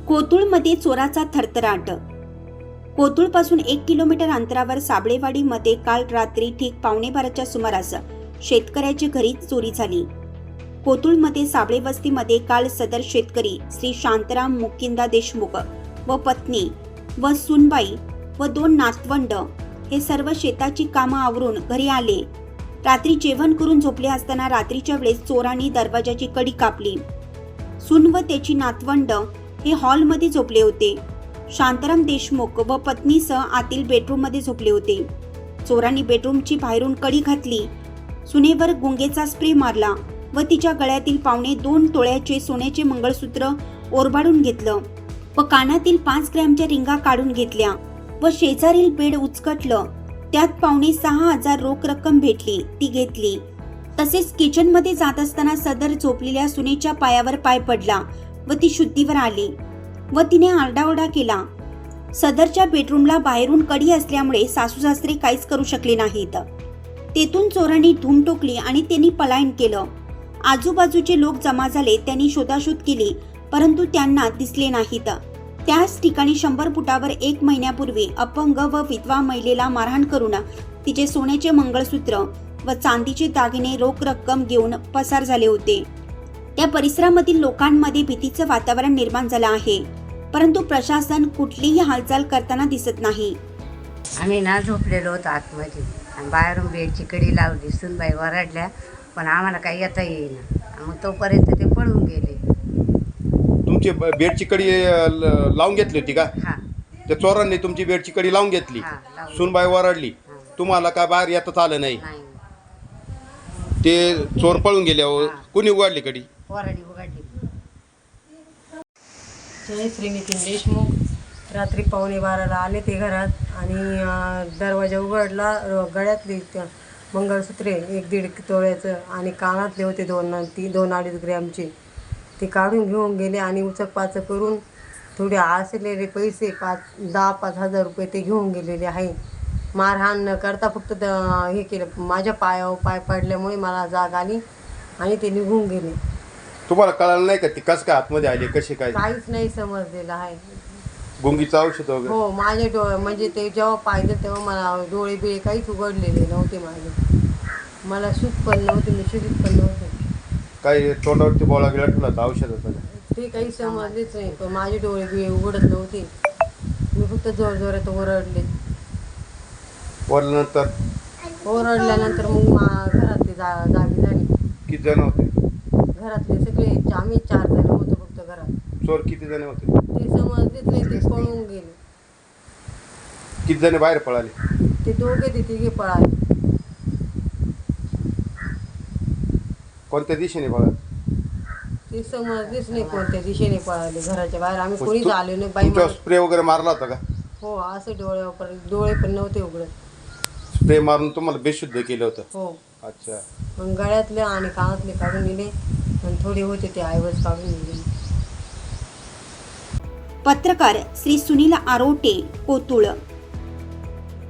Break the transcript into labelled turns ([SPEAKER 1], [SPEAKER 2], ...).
[SPEAKER 1] कोतुळमध्ये चोराचा थरथराट। कोतुळपासून 1 kilometre अंतरावर साबळेवाडीमध्ये काल रात्री ठीक 11:15च्या सुमारास शेतकऱ्याच्या घरी चोरी झाली। कोतुळमध्ये साबळे वस्तीमध्ये काल सदर शेतकरी श्री शांताराम मुकिंदा देशमुख व पत्नी व सुनबाई व 2 नातवंड हे सर्व शेताची कामं आवरून घरी आले। रात्री जेवण करून झोपले असताना रात्रीच्या वेळेस चोरांनी दरवाजाची कडी कापली। सून व त्याची नातवंड हे हॉलमध्ये झोपले होते। शांताराम देशमुख व पत्नीसह आतील बेडरूममध्ये झोपले होते। चोरांनी बेडरूमची बाहेरून कडी घातली, सुनेवर गुंगेचा स्प्रे मारला व तिच्या गळ्यातील 2.25 तोळ्याचे सोन्याचे मंगळसूत्र ओरबाडून घेतलं व कानातील 5 ग्रॅमच्या रिंगा काढून घेतल्या व शेजारील बेड उचकटलं, त्यात 6,500 रोख रक्कम भेटली, ती घेतली। तसेच किचनमध्ये जात असताना सदर झोपलेल्या सुनेच्या पायावर पाय पडला व ती शुद्धीवर आली व तिने आरडाओरडा केला। सदरच्या बेडरूमला बाहेरून कडी असल्यामुळे सासू सासरे काहीच करू शकले नाहीत। तेथून चोरांनी धूम टोकली आणि त्यांनी पलायन केलं। आजूबाजूचे लोक जमा झाले, त्यांनी शोधाशोध केली परंतु त्यांना दिसले नाहीत। त्याच ठिकाणी 100 फुटावर 1 महिन्यापूर्वी अपंग व विधवा महिलेला मारहाण करून तिचे सोन्याचे मंगळसूत्र व चांदीचे दागिने रोख रक्कम घेऊन पसार झाले होते। त्या परिसरामधील लोकांमध्ये भीतीचं वातावरण निर्माण झालं आहे, परंतु प्रशासन कुठलीही हालचाल करताना दिसत नाही।
[SPEAKER 2] आम्ही ना झोपलेलो होतो आतमध्ये आणि बाहेरून बेडची कडी लावली, सुनबाई वरडल्या पण आम्हाला काही येता येईना। मग तोपर्यंत ते पळून गेले।
[SPEAKER 3] तुमची बेडची कडी लावून घेतली होती का?
[SPEAKER 2] हां
[SPEAKER 3] त्या चोरांनी तुमची बेडची कडी लावून घेतली,
[SPEAKER 2] लावून.
[SPEAKER 3] सुनबाई वरडली, तुम्हाला काय बाहेर येताच आलं नाही?
[SPEAKER 2] नाही,
[SPEAKER 3] ते चोर पळून गेल्यावर कुणी उघडली कडी?
[SPEAKER 2] वरडी उघडली।
[SPEAKER 4] जय श्री नितीन देशमुख रात्री 11:15ला आले ते घरात आणि दरवाजा उघडला। गळ्यातली मंगळसूत्रे 1-1.5 तोळ्याचं आणि कानातले होते 2-2.5 ग्रॅमचे, ते काढून घेऊन गेले आणि उचकपाचक करून थोडे आसलेले पैसे 10,000-5,000 रुपये ते घेऊन गेलेले आहे। मारहाण न करता फक्त हे केलं, माझ्या पायावर पाय पडल्यामुळे मला जाग आली आणि ते निघून गेले।
[SPEAKER 3] तुम्हाला कळलं नाही का ती कसं काय आतमध्ये आली, कशी काय?
[SPEAKER 4] काहीच नाही समजलेलं आहे।
[SPEAKER 3] गुंगीचं औषध वगैरे?
[SPEAKER 4] हो, माझे डोळे म्हणजे ते जेव्हा पाहिजे तेव्हा मला डोळे बिळे काहीच उघडलेले नव्हते माझे। मला सूज पण नव्हती, मी शुद्धीत पण नव्हते।
[SPEAKER 3] काही तोंडावरती बोळा गेला ठेवला होता औषधाचा?
[SPEAKER 4] ते काही समजलेच नाही, पण माझे डोळे बिळे उघडत नव्हते। मी फक्त जोरजोरात ओरडले। ओरडल्यानंतर मग घरातले जागी झाली।
[SPEAKER 3] किती जण होते
[SPEAKER 4] घरातले सगळे, आम्ही 4 जण होतो फक्त घरात।
[SPEAKER 3] चोर किती जण होते?
[SPEAKER 4] ते समजलेच नाही, ते पळून गेले।
[SPEAKER 3] किती जण बाहेर पळाले?
[SPEAKER 4] ते दोघे ते तिघे पळाले।
[SPEAKER 3] कोणत्या दिशेने पळाले?
[SPEAKER 4] ते समजलेच नाही कोणत्या दिशेने पळाले। घराच्या बाहेर आम्ही कोणीच आले नाही। बाई
[SPEAKER 3] तुमच्यावर स्प्रे वगैरे मारला होता का?
[SPEAKER 4] हो, असं डोळे पण नव्हते उघडत।
[SPEAKER 3] स्प्रे मारून तुम्हाला बेशुद्ध केलं होतं?
[SPEAKER 4] हो।
[SPEAKER 3] अच्छा।
[SPEAKER 4] मग गळ्यातले आणि कानातले काढून दिले आणि थोडे होते ते ऐवज काढून दिले।
[SPEAKER 1] पत्रकार श्री सुनील आरोटे, कोतुळ।